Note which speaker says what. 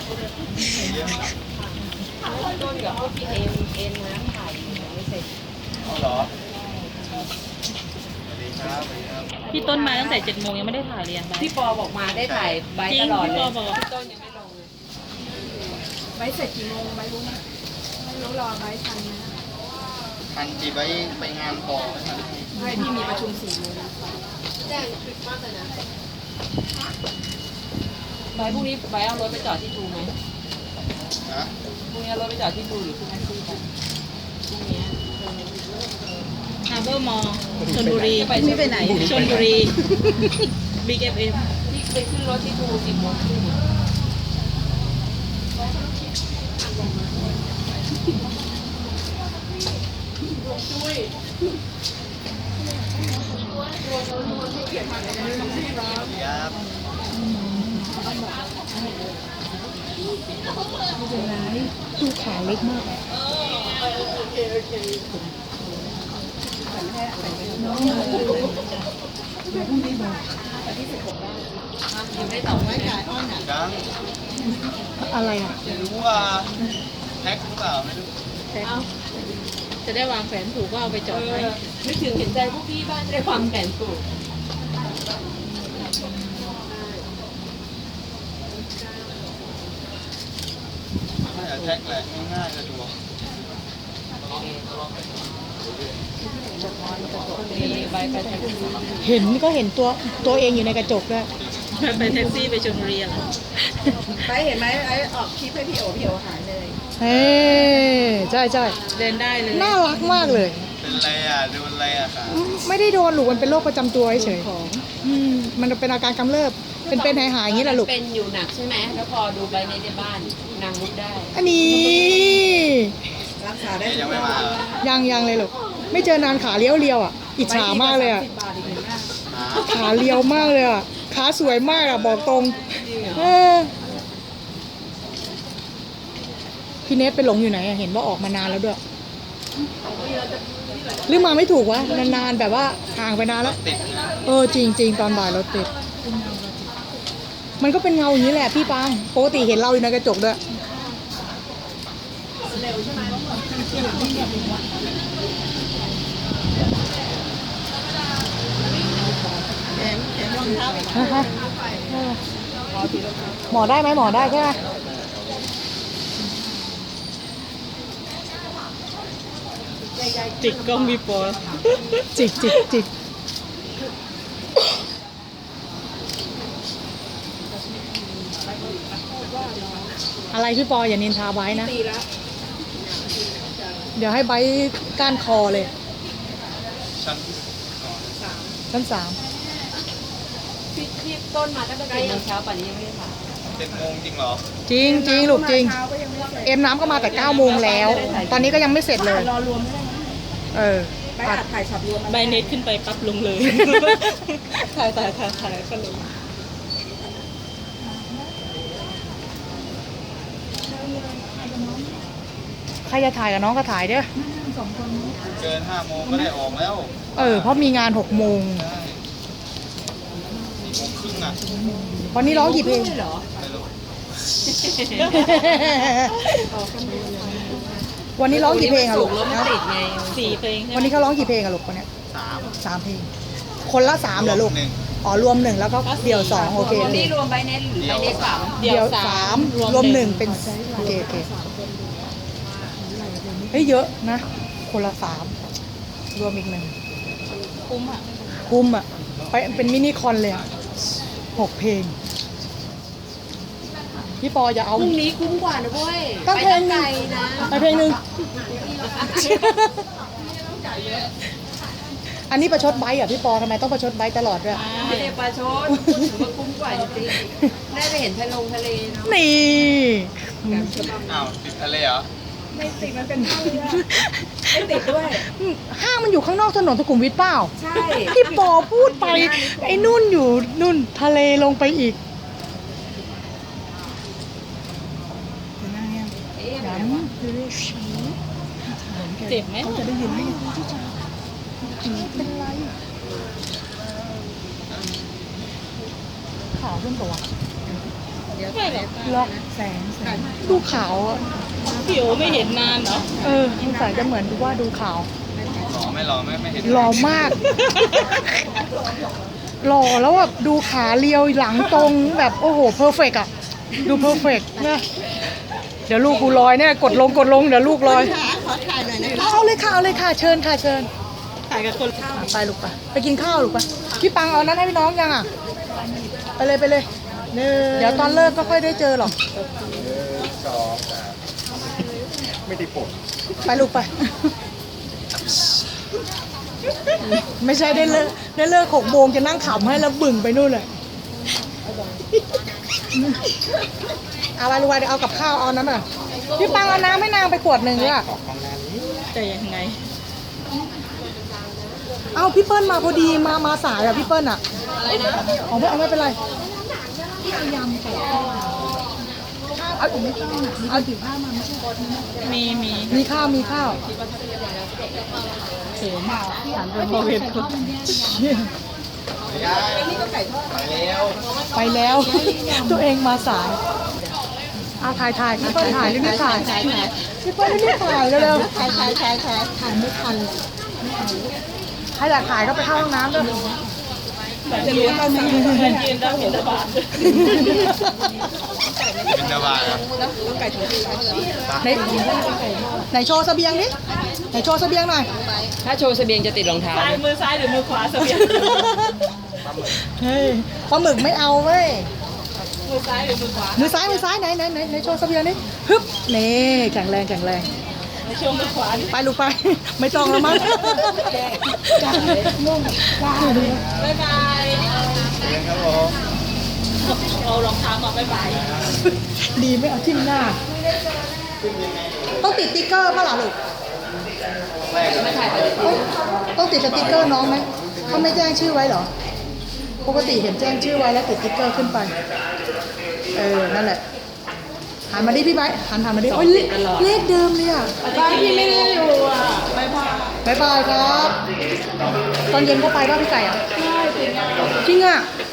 Speaker 1: ต้นกับพวกพี่เอ็นน้ำถ่ายไม่เสร็จ
Speaker 2: เอาเหรอสวัสดีครับสวัสดีครับ
Speaker 3: พี่ต้นมาตั้งแต่7 โมงยังไม่ได้ถ่ายเลยอ่ะ
Speaker 1: พี่ปอบอกมาได้ถ่ายใบ
Speaker 3: จริ
Speaker 1: ต
Speaker 3: ง
Speaker 1: ลอด
Speaker 3: พี่
Speaker 1: เล
Speaker 3: ปอย บอก
Speaker 1: พี่ต้นยังไม่ลงเลย
Speaker 4: ไว้เสร็จกี่โมงไว้รู้ไหมไม่รู้รอไว้ทันนะ
Speaker 2: ทันจีไปงานต่อไหมครับ
Speaker 4: ไม่พี่มีประชุม4 โมง
Speaker 1: แจ้งคลิปมากเลยนะใบพรุ่งนี้ใบเอารถไปจอดที่ทูไหม
Speaker 2: นะ
Speaker 1: พรุ่งนี้เอารถไปจอดที่ทูหรือที่แท็กซี่กันพรุ่งนี้
Speaker 3: ฮาร์เบอร์มอลชลบุรี
Speaker 1: นี่ไปไหน
Speaker 3: ชลบุรีบิ๊กเอฟเอ็ม
Speaker 1: ที่ไปขึ้นรถที่ทู10 โมงครึ่ง
Speaker 2: ครับ
Speaker 4: ดูขาเล็กมาก
Speaker 1: ยังไม่ตอบไม่จ่ายอ้อนอ่ะ
Speaker 2: ยัง
Speaker 4: อะไรอ่ะ
Speaker 2: ไม่รู้ว่าแท็กหรือเปล่าไม่รู้
Speaker 3: จะได้วางแผนถูกก็เอาไปจอดไว้
Speaker 1: ไม่ถึงเห็นใจพวกพี่บ้านจะได้ความแก่นถูก
Speaker 2: น่าจะแท็กแหละง่ายๆสะดวก
Speaker 1: มีใบไปแท็กซี่
Speaker 4: เห็นก็เห็นตัวเองอยู่ในกระจกด้วย
Speaker 3: ไปแท็กซี่ไปชลบุรีอะไร
Speaker 4: ไปเห็นไหมไอ้ออกคลิปให้พี่โอหายเลยเฮ้ใช่ใช่
Speaker 3: เดินได้เลย
Speaker 4: น่ารักมากเลย
Speaker 2: เป็นไรอ่ะโดนอะไรอ่ะครับ
Speaker 4: ไม่ได้โดนลูกมันเป็นโรคประจำตัวเฉยมันเป็นอาการกำเริบเป็นหายๆอย่างนี้แหละลูก
Speaker 1: เป็นอยู่หนักใช่ไหมแล้วพอดูใบในบ้านนางลุกได้
Speaker 4: อันนี้
Speaker 1: รักษาได้
Speaker 2: ยังไม่มาเหรอ
Speaker 4: ยังเลยลูกไม่เจอนานขาเลี้ยวอ่ะอิจฉามากเลยอ่ะ
Speaker 2: หา
Speaker 4: ขาเลี้ยวมากเลยอ่ะขาสวยมากอ่ะบอกตรงพี่เนทไปหลงอยู่ไหนอะเห็นว่าออกมานานแล้วด้วยหรือมาไม่ถูกวะนานๆแบบว่าห่างไปนานแล้ว
Speaker 2: ติดนะ
Speaker 4: จริงตอนบ่ายรถติดมันก็เป็นเงาอย่างนี้แหละพี่ปางปกติเห็นเราอยู่ในกระจกด้วยหมอได้ไหมหมอได้ใช่ไหม
Speaker 3: จิกกล้องพี่ปอ
Speaker 4: จิกอะไรพี่ปออย่านินทาไว้นะ เดี๋ยวให้ไบร์ทก้านคอเลย
Speaker 2: ชั้น
Speaker 4: ชั้น 3
Speaker 1: พี่ต้นมาตั้งแต่7 โมงเช้าป่านนี้ยังไม่ได้ถ่าย
Speaker 2: 7 โมงจริงเหรอ
Speaker 4: จริงลูกจริง เอ็มน้ำก็มาแต่9 โมงแล้ว ตอนนี้ก็ยังไม่เสร็จเลยตัด
Speaker 3: ใบเน็ตขึ้นไปปั๊บลงเลย ถ่ายก็ลง
Speaker 4: ใครจะถ่ายกับน้องก็ถ่ายเด้อ
Speaker 2: เกิน5 โมงก็ได้ออกแล้ว
Speaker 4: เพราะมีงาน 6 โมง
Speaker 2: ใช่4 โมงครึ่งอ่ะ
Speaker 4: วันนี้ร้องกี่เพลง
Speaker 1: เหรอ
Speaker 2: ไม่รู้
Speaker 4: วันนี้ร้องกี่เพลงอะลูก
Speaker 1: รถมันติดไง
Speaker 3: 4 เพลงใช่ไหม
Speaker 4: วันนี้เขาร้องกี่เพลงอะลูกวันเนี้ย
Speaker 2: 3
Speaker 4: 3 เพลง คนละ3เหรอลูก
Speaker 2: หนึ่ง
Speaker 4: อ๋อรวม 1 แล้วก็เดี่ยว 2 โอเค
Speaker 1: รวมนี่รวมใบเน็ตหรือใบเน็ตสาม
Speaker 4: เดี่ยว 3 รวม 1 เป็นโอเคเฮ้ยเยอะนะ คนละ3รวมอีก 1
Speaker 3: คุ้มอ่ะ
Speaker 4: คุ้มอ่ะไปเป็นมินิคอนเลยอ่ะ6 เพลงพี่ปออย่าเอา
Speaker 1: พรุ่งนี้คุ้มกว่านะเว้ย
Speaker 4: ตั้งเพลง
Speaker 1: ไกลนะ
Speaker 4: ไปเพลงหนึ่ง อันนี้ประชดไบค์อ่ะพี่ปอทำไมต้องประชดไบค์ตลอดด้วย
Speaker 1: ไม่ได้ปลาชดพูดถึงว่าคุ้มกว่าจริงๆได้ไปเห็นทะเลเนาะ
Speaker 4: นี่
Speaker 2: อ้าวติดทะเลเหรอ
Speaker 4: ห้างมันอยู่ข้างนอกถนนสุขุมวิทเปล่า
Speaker 1: ใช่
Speaker 4: พี่ปอพูดไป ไอ้นุ่นอยู่นุ่นทะเลลงไปอีก
Speaker 3: เจ็บไหม
Speaker 4: เขาจะได้ยินไหมเป็นไรขาขึ้นตัว
Speaker 3: ไม่หรอก
Speaker 4: ล็อกแสงดูขาวอะ
Speaker 3: พี่โอไม่เห็นนานเหรอ
Speaker 4: สงสัยจะเหมือนว่าดูขาว
Speaker 2: หล่อไม่เห็น
Speaker 4: หล่อมาก หล่อแล้วแบบดูขาเรียวหลังตรงแบบโอ้โหเพอร์เฟกอะดูเพอร์เฟกนะเดี๋ยวลูกกูลอยเนี่ยกดลงเดี๋ยวลูกลอย
Speaker 1: ขอถ่ายหน่อยนะคะ
Speaker 4: เอาเลยค่ะเชิญค่ะเชิญ
Speaker 3: ถ่ายกับคน
Speaker 4: ไปลูกไปกินข้าวลูกไปพี่ปังเอานั้นให้พี่น้องยังอ่ะไปเลยเดี๋ยวตอนเลิกก็ค่อยได้เจอหรอก
Speaker 2: ไม่ได้ปวด
Speaker 4: ไปลูกไป ไม่ใช่ได้เลิก6 โมงจะนั่งขำให้แล้วบึ่งไปนู่นเลยเอาไปลูกไปเดี๋ยวเอากับข้าวเอาน้ำอ่ะพี่ปังเอาน้ำให้นางไปขวดหนึ่งด้วยอะ
Speaker 3: จะยังไง
Speaker 4: เอาพี่เปิ้ลมาพอดีมาสายอ่ะพี่เปิ้ลอ่ะอะไรนะเอาไม่เป็นไรพี่เอายำใส่ข้าวเอาผมไม่ต้องอ่ะเอาถือผ้ามาไม่ใช่
Speaker 3: มี
Speaker 4: ข้าว
Speaker 3: เห็นหันไปมองเห็นคน
Speaker 4: ไปแล้ว ตัวเองมาสายเอาถ่ายพี่เปิ้ลถ่ายรีบถ่ายพี่เปิ้ลรีบถ่ายเร็วๆถ่ายไม่ทันใครอยากถ่ายก็ไปเข้าห้องน้ำด้วย
Speaker 3: จะรู้ตอนนี้มันยืนได้เห็นตะบาด
Speaker 2: เป็นดาวาครับ
Speaker 4: ไหนโชว์เสบียงดิไหนโชว์เสบียงหน่อย
Speaker 1: ถ้าโชว์เสบียงจะติดรองเท้า
Speaker 3: ซ้ายมือซ้ายหรือมือขวาเสบียง
Speaker 4: เฮ้ยปลาหมึกไม่เอาเว้ย
Speaker 3: มือซ้ายหรือมือขวา
Speaker 4: มือซ้ายไหนโชว์เสบียงดิฮึบนี่แข็งแรง
Speaker 3: ในช่วงมือขวานี่
Speaker 4: ไปลูกไป ไม่ต้องแล้วมั้ง
Speaker 3: บ๊ายบาย
Speaker 2: ครับผม
Speaker 3: เอารองเท้ามาบ๊ายบาย
Speaker 4: ดีไม่เอาทิ่มหน้า ต้องติดติ๊กเกอร์ป่ะล่ะลูกต้องติดสติ๊กเกอร์น้องไหมเขาไม่แจ้งชื่อไว้เหรอ ปกติเห็นแจ้งชื่อไว้แล้วติดติ๊กเกอร์ขึ้นไป นั่นแหละ หันมาดิพี่ไบร์ทหันมาดิโอ้ยเลขเดิมเลยอ่ะ
Speaker 3: บ้านพี่ไม่ได้อยู่อ่ะบ๊ายบาย
Speaker 4: บ๊ายบายครับ ตอนเย็นก็ไปป่ะพี่ไก่อ่ะจริงอ่ะ